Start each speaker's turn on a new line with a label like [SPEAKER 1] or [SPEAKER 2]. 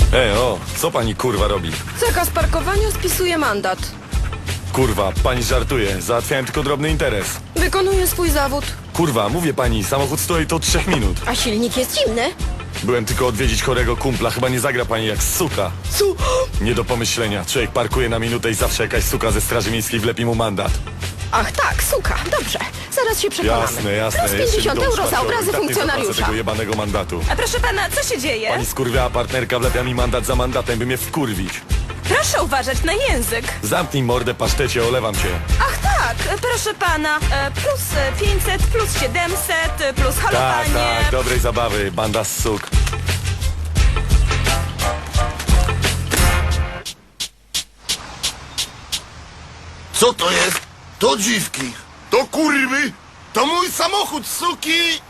[SPEAKER 1] Co pani kurwa robi?
[SPEAKER 2] Zakaz parkowania spisuje mandat.
[SPEAKER 1] Kurwa, pani żartuje. Załatwiałem tylko drobny interes.
[SPEAKER 2] Wykonuje swój zawód.
[SPEAKER 1] Kurwa, mówię pani, samochód stoi to 3 minut.
[SPEAKER 2] A silnik jest zimny.
[SPEAKER 1] Byłem tylko odwiedzić chorego kumpla. Chyba nie zagra pani jak suka. Nie do pomyślenia. Człowiek parkuje na minutę i zawsze jakaś suka ze straży miejskiej wlepi mu mandat.
[SPEAKER 2] Ach tak, suka. Dobrze. Zaraz się przekonamy.
[SPEAKER 1] Jasne.
[SPEAKER 2] Plus 50 euro za obrazy funkcjonariusza.
[SPEAKER 1] tego jebanego mandatu.
[SPEAKER 3] A proszę pana, co się dzieje?
[SPEAKER 1] Pani skurwiała partnerka wlepia mi mandat za mandatem, by mnie wkurwić.
[SPEAKER 3] Proszę uważać na język.
[SPEAKER 1] Zamknij mordę, pasztecie, olewam cię.
[SPEAKER 3] Ach tak, proszę pana, plus 500, plus 700, plus halowanie.
[SPEAKER 1] Tak, dobrej zabawy, banda z suk.
[SPEAKER 4] Co to jest? To dziwki. To kurwy. To mój samochód, suki.